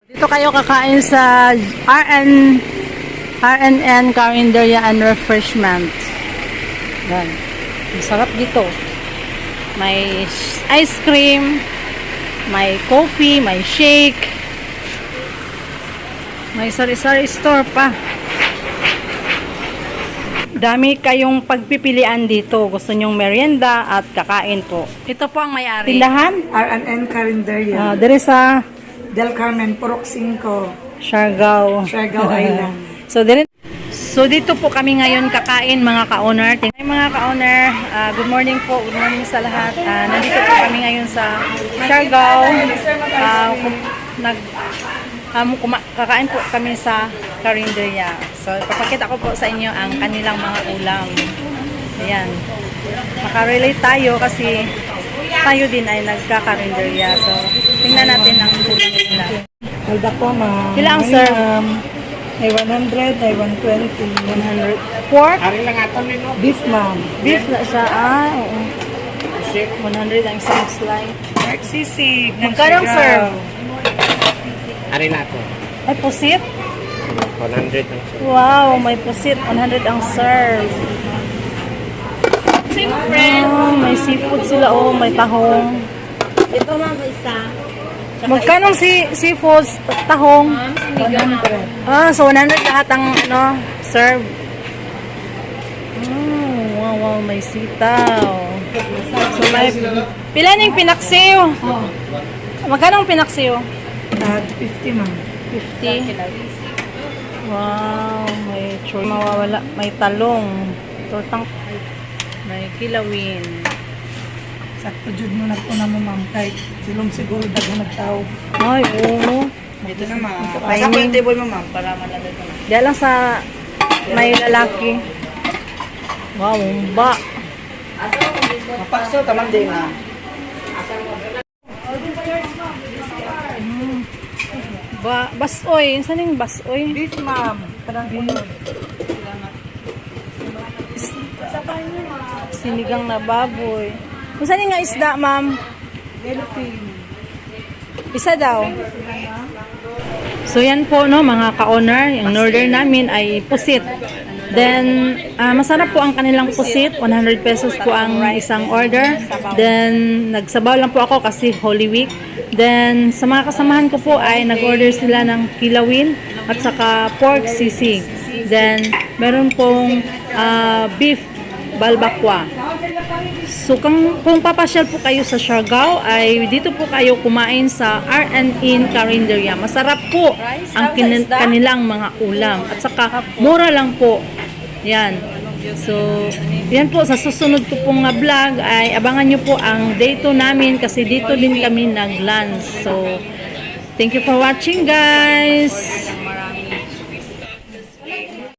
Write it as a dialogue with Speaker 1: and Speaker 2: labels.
Speaker 1: Dito kayo kakain sa RNN Carinderia and Refreshment. Yan. Masarap dito. May ice cream, may coffee, may shake. May sari-sari store pa. Dami kayong pagpipilian dito. Gusto nyong merienda at kakain po. Ito po ang may-ari. Tindahan?
Speaker 2: RNN Carinderia.
Speaker 1: There is a
Speaker 2: Del Carmen, Purok 5,
Speaker 1: Siargao.
Speaker 2: Island.
Speaker 1: So dito po kami ngayon kakain mga ka-owner. Mga ka-owner, good morning po. Good morning sa lahat. Nandito po kami ngayon sa Siargao. Kakain po kami sa Carinderia. So papakita ko po sa inyo ang kanilang mga ulam. Ayan. Makarelate tayo kasi tayo din ay nagka-Carinderia. So tingnan natin ang ulam nila.
Speaker 2: Alda po, ma'am.
Speaker 1: Ilang, sir?
Speaker 2: Ay 100, ay 120.
Speaker 1: 100. Pork?
Speaker 2: Beef, ma'am.
Speaker 1: Beef na siya. Oo. 100 ang isang slice.
Speaker 2: Pork sisig.
Speaker 1: Magkano, sir?
Speaker 3: Ari na to.
Speaker 1: Ay, pusit?
Speaker 3: 100 lang siya.
Speaker 1: Wow, may pusit. 100 ang serve. Oh, may seafood sila. Oh, may tahong.
Speaker 4: Ito ma'am, isa.
Speaker 1: Magkano seafood tahong?
Speaker 2: 100.
Speaker 1: So 100 lahat ang serve. Wow, may sitaw. So may pila ning pinaksiw? Magkano ang pinaksiw?
Speaker 2: 50, ma'am.
Speaker 1: 50. Wow, may choy mawawala, may talong, tortang, may kilawin.
Speaker 2: Sakto jud mo nagtuna mo, ma'am. Kahit silong siguro dagang nagtao.
Speaker 1: Ay, oo.
Speaker 2: Dito na, ma'am.
Speaker 1: Pasa po yung
Speaker 2: table mo, ma'am, para malagay ko na.
Speaker 1: Diyan lang sa may lalaki. Wow, ba.
Speaker 2: Mapakso, tamang din, ma'am.
Speaker 1: Basoy. Saan yung basoy?
Speaker 2: Beef, ma'am. Kadang beef.
Speaker 1: Sinigang na baboy. Kung saan yung nga isda, ma'am?
Speaker 2: Yellowfin.
Speaker 1: Isa daw. So yan po no mga ka-owner, yung order namin ay pusit. Then masarap po ang kanilang pusit, 100 pesos po ang isang order. Then nagsabaw lang po ako kasi Holy Week. Then sa mga kasamahan ko po ay nag-order sila ng kilawin at saka pork sisig. Then meron pong beef balbakwa. So kung papasyal po kayo sa Siargao ay dito po kayo kumain sa RNN Carinderia. Masarap po ang kanilang mga ulam at saka mura lang po. Yan. So yan po sa susunod ko pong vlog ay abangan nyo po ang day 2 namin kasi dito din kami nag-lunch. So thank you for watching guys.